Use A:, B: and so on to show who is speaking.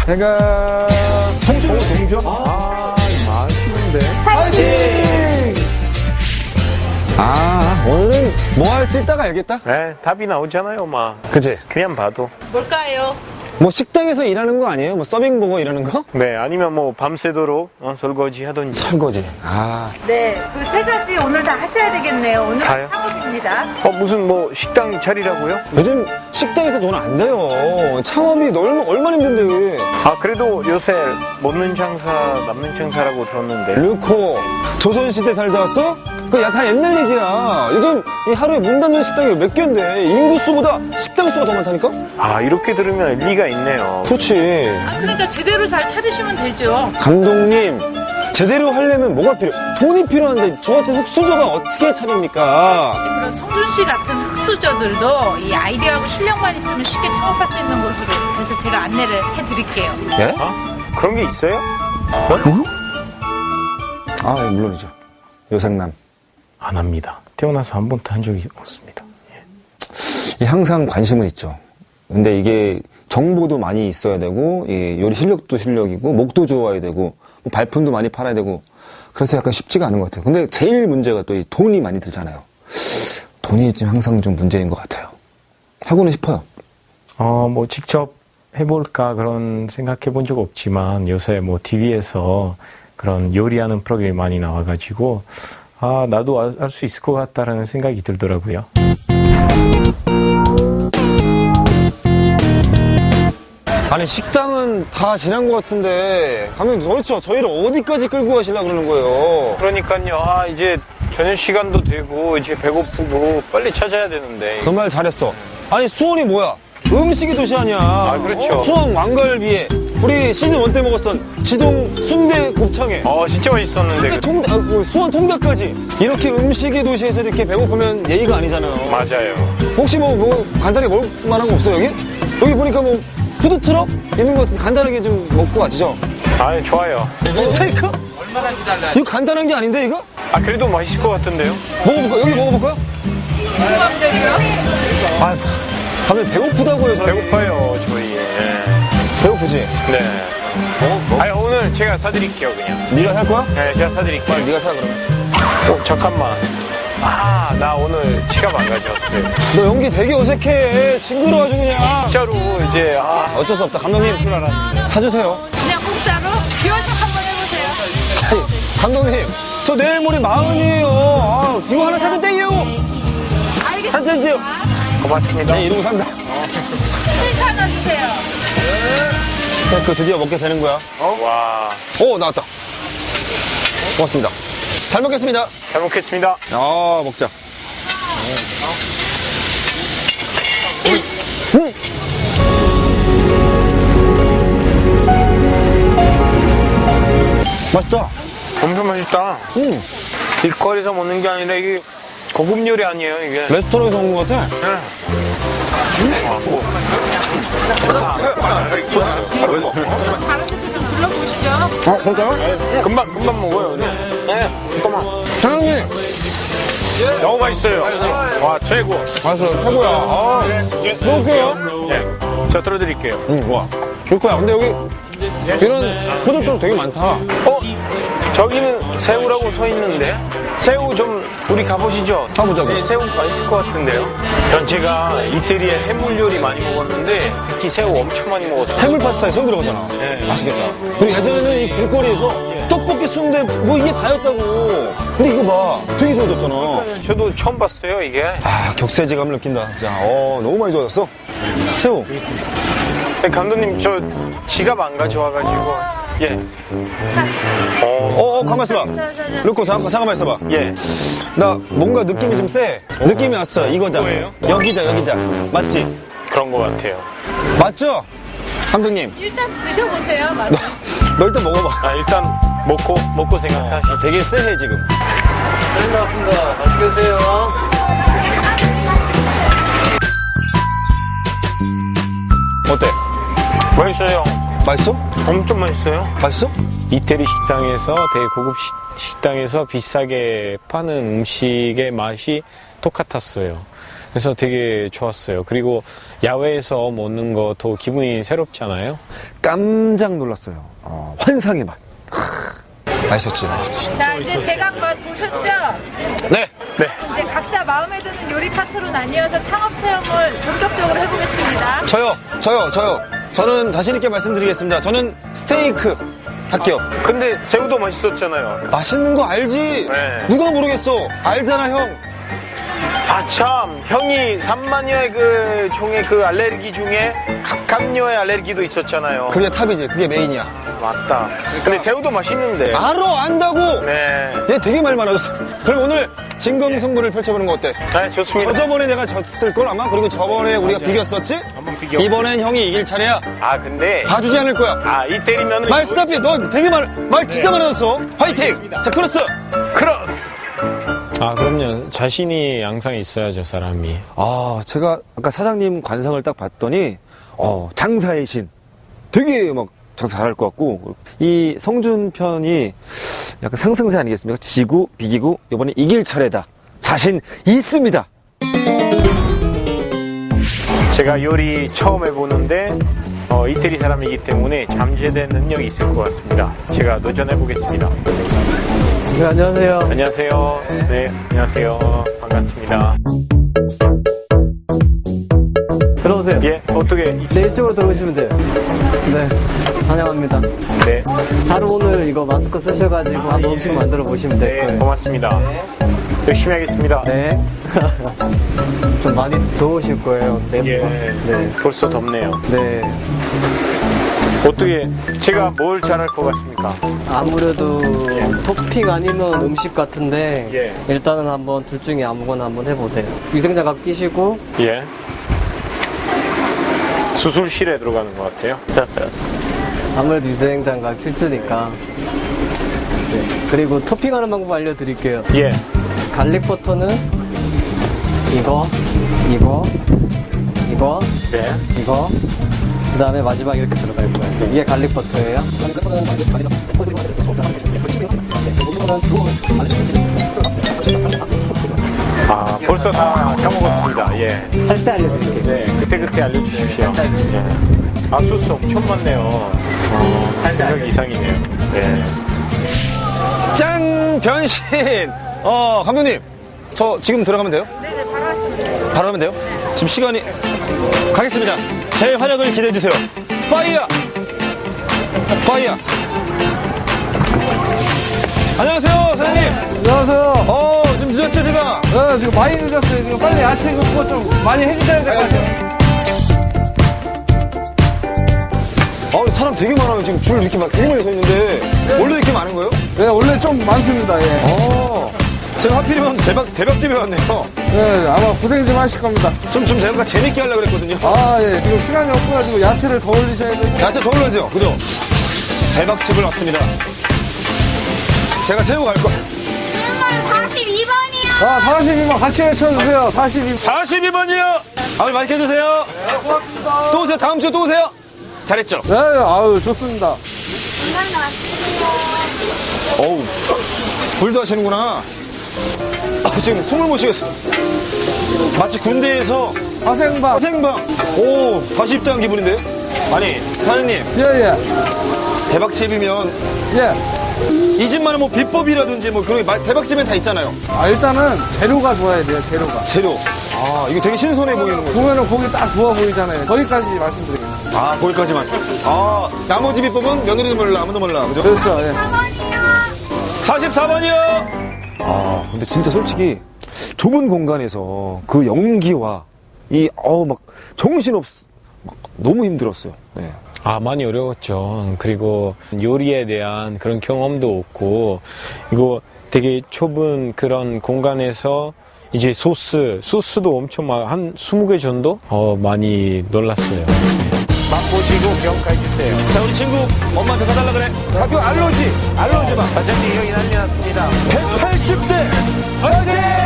A: 제가 동전? 아, 맛있는데. 파이팅! 아, 오늘은 뭐 할지 이따가 알겠다.
B: 네, 답이 나오잖아요, 막.
A: 그치?
B: 그냥 봐도.
C: 뭘까요?
A: 뭐 식당에서 일하는 거 아니에요? 뭐 서빙 보고 일하는 거?
B: 네, 아니면 뭐 밤새도록 설거지 하던지.
A: 설거지. 아.
C: 네, 그 세 가지 오늘 다 하셔야 되겠네요. 오늘은
B: 다요?
C: 창업입니다.
B: 무슨 뭐 식당 차리라고요?
A: 요즘 식당에서 돈 안 돼요. 창업이 얼마나 힘든데.
B: 아, 그래도 요새 먹는 장사, 남는 장사라고 들었는데.
A: 르코, 조선시대 살다 왔어? 그거 다 옛날 얘기야. 요즘 이 하루에 문 닫는 식당이 몇 개인데 인구수보다 식당 수가 더 많다니까?
B: 아, 이렇게 들으면 일리가 있네요.
A: 그렇지.
C: 아, 그러니까 제대로 잘 차리시면 되죠.
A: 감독님, 제대로 하려면 뭐가 필요해? 돈이 필요한데 저 같은 흑수저가 어떻게 차립니까?
C: 그런 성준 씨 같은 흑수저들도 이 아이디어하고 실력만 있으면 쉽게 창업할 수 있는 곳으로 그래서 제가 안내를 해드릴게요.
A: 예?
B: 그런 게 있어요?
A: 아, 예, 물론이죠. 요생남.
B: 안 합니다. 태어나서 한 번도 한 적이 없습니다.
A: 예, 항상 관심은 있죠. 근데 이게 정보도 많이 있어야 되고, 이 요리 실력도 실력이고, 목도 좋아야 되고, 뭐 발품도 많이 팔아야 되고, 그래서 약간 쉽지가 않은 것 같아요. 근데 제일 문제가 또 이 돈이 많이 들잖아요. 돈이 좀 항상 좀 문제인 것 같아요. 하고는 싶어요.
B: 뭐 직접 해볼까 그런 생각해 본 적 없지만 요새 뭐 TV에서 그런 요리하는 프로그램이 많이 나와가지고 나도 할 수 있을 것 같다라는 생각이 들더라고요.
A: 아니, 식당은 다 지난 것 같은데, 가면 도대체 저희를 어디까지 끌고 가시려고 그러는 거예요?
B: 그러니까요. 이제 저녁 시간도 되고 이제 배고프고 빨리 찾아야 되는데.
A: 그 말 잘했어. 아니, 수원이 뭐야? 음식의 도시 아니야.
B: 그렇죠.
A: 수원 왕갈비에 우리 시즌 1 때 먹었던 지동 순대 곱창에
B: 진짜 맛있었는데.
A: 수원 통닭까지 이렇게 음식의 도시에서 이렇게 배고프면 예의가 아니잖아요.
B: 맞아요.
A: 혹시 뭐 간단하게 먹을 만한 거 없어요, 여기? 여기 보니까 뭐 푸드트럭 있는 거 같은데 간단하게 좀 먹고 가시죠.
B: 좋아요.
A: 스테이크? 얼마나 기다려요? 이거 간단한 게 아닌데, 이거?
B: 그래도 맛있을 것 같은데요?
A: 먹어볼까요? 여기 먹어볼까요? 아, 다들 배고프다고요, 저희.
B: 배고파요, 저희.
A: 배고프지?
B: 네. 오늘 제가 사드릴게요, 그냥.
A: 네가 살 거야?
B: 네, 제가 사드릴게요.
A: 네가 사, 그러면.
B: 잠깐만. 나 오늘 지갑 안 가져왔어요.
A: 너 연기 되게 어색해. 징그러워가지고 그냥.
B: 진짜로 이제
A: 어쩔 수 없다. 감독님, 사주세요.
C: 그냥 공짜로 귀여운 척 한번 해보세요.
A: 아니, 감독님, 저 내일 모레 40이에요. 이거 하나 사도 땡이요. 사주세요.
B: 고맙습니다.
A: 네, 이러고 산다.
C: 스테이크 하나 주세요.
A: 스테이크 드디어 먹게 되는 거야.
B: 와,
A: 오, 나왔다. 고맙습니다. 잘 먹겠습니다.
B: 잘 먹겠습니다.
A: 먹자. 맛있다.
B: 엄청 맛있다. 길거리에서 먹는 게 아니라 이게 고급 요리 아니에요, 이게.
A: 레스토랑에서 먹는 것 같아.
C: 다른 데도 좀 둘러보시죠.
A: 그럴까요?
B: 금방 먹어요. 네, 잠깐만.
A: 사장님.
B: 너무 맛있어요. 와, 최고.
A: 맛있어요. 최고야. 그럴게요.
B: 네, 저 들어드릴게요.
A: 와. 좋을 거야. 근데 여기 이런 푸드트럭 되게 많다.
B: 저기는 새우라고 써 있는데 새우 좀 우리 가보시죠.
A: 가보자고.
B: 네, 새우 맛있을 것 같은데요. 제가 이태리에 해물 요리 많이 먹었는데 특히 새우 엄청 많이 먹었어요.
A: 해물 파스타에 새우 들어가잖아.
B: 네.
A: 맛있겠다. 그리고 예전에는 이 길거리에서 떡볶이, 순대 뭐 이게 다였다고. 근데 이거 봐. 되게 좋아졌잖아.
B: 저도 처음 봤어요, 이게.
A: 격세지감을 느낀다. 진짜. 너무 많이 좋아졌어. 새우.
B: 감독님, 저 지갑 안 가져와가지고. 예.
A: 가만 있어봐. 루코, 잠깐만 있어봐.
B: 예.
A: 나 뭔가 느낌이 좀 세. 느낌이 왔어. 이거다.
B: 뭐예요?
A: 여기다. 맞지?
B: 그런 것 같아요.
A: 맞죠? 감독님.
C: 일단 드셔보세요. 맞아.
A: 너 일단 먹어봐.
B: 일단 먹고 생각하시죠.
A: 되게 쎄해, 지금.
D: 잘 나왔습니다. 맛있게 드세요.
A: 어때?
B: 맛있어요.
A: 맛있어?
B: 엄청 맛있어요.
A: 맛있어?
B: 이태리 식당에서 되게 고급 식당에서 비싸게 파는 음식의 맛이 똑같았어요. 그래서 되게 좋았어요. 그리고 야외에서 먹는 것도 기분이 새롭잖아요.
E: 깜짝 놀랐어요. 환상의 맛.
A: 맛있었지.
C: 자, 이제 대강 맛 보셨죠?
A: 네.
C: 이제 각자 마음에 드는 요리 파트로 나뉘어서 창업 체험을 본격적으로 해보겠습니다.
A: 저요. 저는 자신있게 말씀드리겠습니다. 저는 스테이크 할게요.
B: 근데 새우도 맛있었잖아요.
A: 맛있는 거 알지?
B: 네.
A: 누가 모르겠어? 알잖아, 형.
F: 아, 참. 형이 3만여의 그 종의 그 알레르기 중에 각각류의 알레르기도 있었잖아요.
A: 그게 탑이지. 그게 메인이야.
F: 맞다. 근데 새우도 맛있는데.
A: 알아, 안다고!
F: 네.
A: 얘 되게 말 많아졌어. 그럼 오늘 진검승부를 펼쳐보는 거 어때?
F: 네, 좋습니다.
A: 저번에 내가 졌을걸 아마? 그리고 저번에 우리가 비겼었지?
F: 한번 비교.
A: 이번엔 형이 이길 차례야.
F: 아, 근데.
A: 봐주지 않을 거야.
F: 아, 이 때리면.
A: 말 스탑해. 너 되게 말 진짜 많아졌어. 화이팅!
F: 알겠습니다.
A: 자, 크로스!
F: 크로스!
B: 아, 그럼요. 자신이 항상 있어야죠, 사람이.
E: 제가 아까 사장님 관상을 딱 봤더니, 장사의 신. 되게 막 장사 잘할 것 같고, 이 성준 편이 약간 상승세 아니겠습니까? 지고, 비기고, 이번에 이길 차례다. 자신 있습니다.
B: 제가 요리 처음 해보는데 이태리 사람이기 때문에 잠재된 능력이 있을 것 같습니다. 제가 도전해보겠습니다.
D: 네, 안녕하세요.
B: 안녕하세요. 네, 안녕하세요. 반갑습니다.
D: 들어오세요.
B: 예, 어떻게?
D: 네, 이쪽으로 들어오시면 돼요. 네, 환영합니다.
B: 네,
D: 바로 오늘 이거 마스크 쓰셔가지고 한번 음식 만들어 보시면 될
B: 네,
D: 거예요.
B: 고맙습니다. 열심히 하겠습니다.
D: 네. 좀 많이 더우실 거예요.
B: 예,
D: 네.
B: 벌써 덥네요.
D: 네.
B: 어떻게 제가 뭘 잘할 것 같습니까?
D: 아무래도 토핑 아니면 음식 같은데
B: 예.
D: 일단은 한번 둘 중에 아무거나 한번 해보세요. 위생장갑 끼시고
B: 예. 수술실에 들어가는 것 같아요.
D: 아무래도 위생장갑 필수니까. 네. 그리고 토핑하는 방법 알려드릴게요.
B: 예.
D: 갈릭 버터는 이거,
B: 네.
D: 이거. 그 다음에 마지막 이렇게 들어갈 거예요. 이게 갈릭 버터예요.
B: 아, 벌써 다 까먹었습니다. 예.
D: 할 때 알려드릴게요.
B: 네, 그때 알려주십시오. 예. 아, 소스 엄청 많네요. 생각 이상이네요. 네.
A: 짠! 변신! 감독님. 저 지금 들어가면 돼요?
C: 네네, 바로 하시면
A: 바로 하면 돼요? 지금 시간이. 가겠습니다. 제 활약을 기대해주세요. 파이어! 파이어! 안녕하세요, 사장님.
G: 안녕하세요.
A: 좀 늦었죠, 제가?
G: 네, 지금 많이 늦었어요. 지금 빨리 야채 그거 좀 많이 해주셔야 될 것 같아요.
A: 사람 되게 많아요. 지금 줄 이렇게 막 일몰 서 있는데. 원래 이렇게 많은 거예요?
G: 네, 원래 좀 많습니다. 예.
A: 제가 하필이면 대박집에 왔네요.
G: 네, 아마 고생 좀 하실 겁니다.
A: 좀 제가 재밌게 하려고 그랬거든요.
G: 예. 지금 시간이 없어가지고 야채를 더 올리셔야 되고.
A: 야채 더 올라죠? 그죠? 대박집을 왔습니다. 제가 세우고 갈 거.
C: 42번이요.
G: 42번 같이 외쳐주세요. 42번.
A: 42번이요! 맛있게 드세요.
G: 고맙습니다.
A: 또 오세요. 다음 주에 또 오세요. 잘했죠?
G: 네, 아유, 좋습니다.
A: 어우, 불도 하시는구나. 지금 숨을 못 쉬겠어. 마치 군대에서
G: 화생방.
A: 생방. 다시 입대한 기분인데요? 아니, 사장님,
G: 예.
A: 대박집이면 이 집만의 뭐 비법이라든지 뭐 그런 게 대박집엔 다 있잖아요.
G: 일단은 재료가 좋아야 돼요, 재료가.
A: 재료. 이거 되게 신선해 보이는 거예요.
G: 보면은 고기 딱 좋아 보이잖아요. 거기까지 말씀드리겠습니다.
A: 거기까지만. 나머지 비법은 며느리도 몰라, 아무도 몰라. 그죠?
G: 그렇죠, 예.
A: 44번이요!
E: 근데 진짜 솔직히 좁은 공간에서 그 연기와 막 너무 힘들었어요. 네.
B: 아, 많이 어려웠죠. 그리고 요리에 대한 그런 경험도 없고, 이거 되게 좁은 그런 공간에서 이제 소스도 엄청 한 20개 정도? 많이 놀랐어요. 맛보시고 평가해주세요.
A: 자, 우리 친구 엄마한테 사달라 그래. 학교 알러지 봐.
B: 사장님 여기 난리 났습니다.
A: 180대! 화이팅!